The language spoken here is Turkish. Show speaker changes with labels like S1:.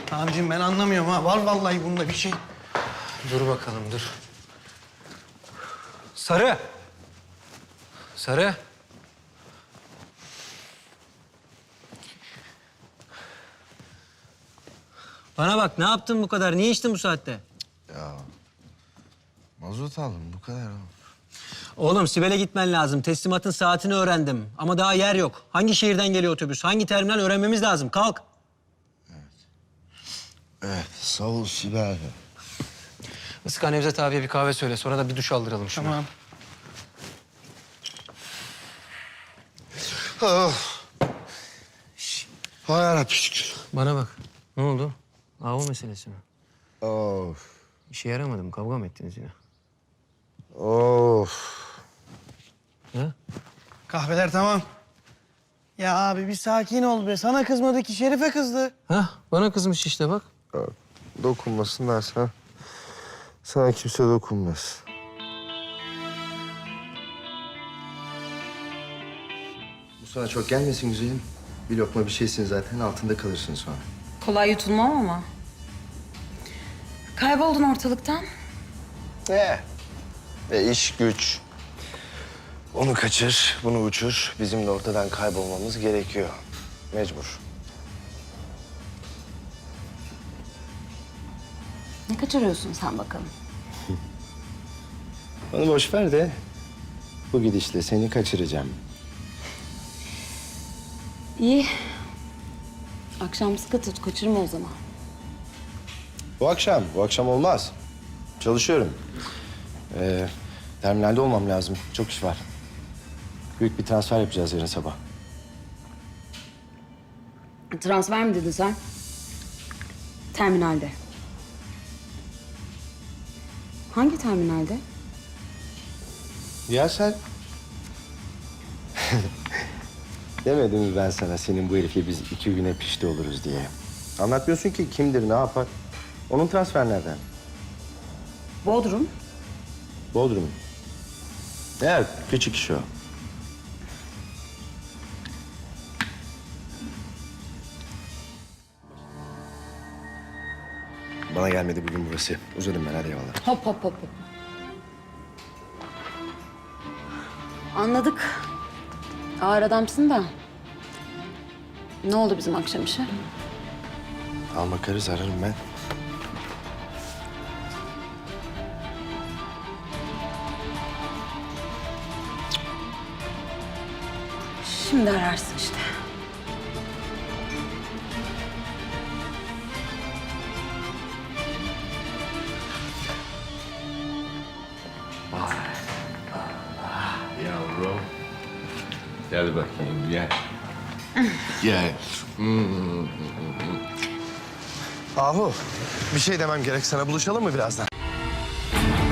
S1: Abicim ben anlamıyorum ha. Var vallahi bunda bir şey.
S2: Dur bakalım, dur. Sarı. Sarı. Bana bak, ne yaptın bu kadar? Niye içtin bu saatte?
S3: Ya mazot aldım bu kadar oğlum.
S2: Oğlum, Sibel'e gitmen lazım. Teslimatın saatini öğrendim. Ama daha yer yok. Hangi şehirden geliyor otobüs? Hangi terminal öğrenmemiz lazım. Kalk.
S3: Evet sağ ol Sibel.
S2: Iska Nevzat abiye bir kahve söyle. Sonra da bir duş aldıralım şuna.
S1: Tamam.
S3: Oh. Hay yarabbim şükür.
S2: Bana bak. Ne oldu? Avu meselesi mi?
S3: Of.
S2: İşe yaramadı mı? Kavga mı ettiniz yine?
S3: Of.
S2: Ha?
S1: Kahveler tamam. Ya abi bir sakin ol be. Sana kızmadı ki Şerife kızdı.
S2: Ha? Bana kızmış işte bak.
S3: Dokunmasınlar sana. Sana kimse dokunmaz. Bu sana çok gelmesin güzelim. Bir lokma bir şeysin zaten altında kalırsın sonra.
S4: Kolay yutulmam ama. Kayboldun ortalıktan.
S3: İş güç. Onu kaçır, bunu uçur. Bizim de ortadan kaybolmamız gerekiyor. Mecbur.
S4: Ne kaçırıyorsun sen bakalım?
S3: Onu boş ver de bu gidişle seni kaçıracağım.
S4: İyi. Akşam sıkı tut, kaçırma o zaman.
S3: Bu akşam olmaz. Çalışıyorum. Terminalde olmam lazım. Çok iş var. Büyük bir transfer yapacağız yarın sabah.
S4: Transfer mi dedin sen? Terminalde. Hangi terminalde?
S3: Ya sen... Demedim mi ben sana senin bu herifle biz 2 güne pişti oluruz diye? Anlatmıyorsun ki kimdir, ne yapar? Onun transfer nereden?
S4: Bodrum.
S3: Bodrum. Evet, küçük iş o. Bana gelmedi bugün burası. Uzadım ben, hadi eyvallah.
S4: Hop hop hop hop. Anladık. Ağır adamsın da. Ne oldu bizim akşam işe?
S3: Al bakarız, ararım ben.
S4: Şimdi ararsın işte.
S5: Yavrum. Gel bakayım, gel. Gel.
S3: Ahu, bir şey demem gerek sana. Buluşalım mı birazdan?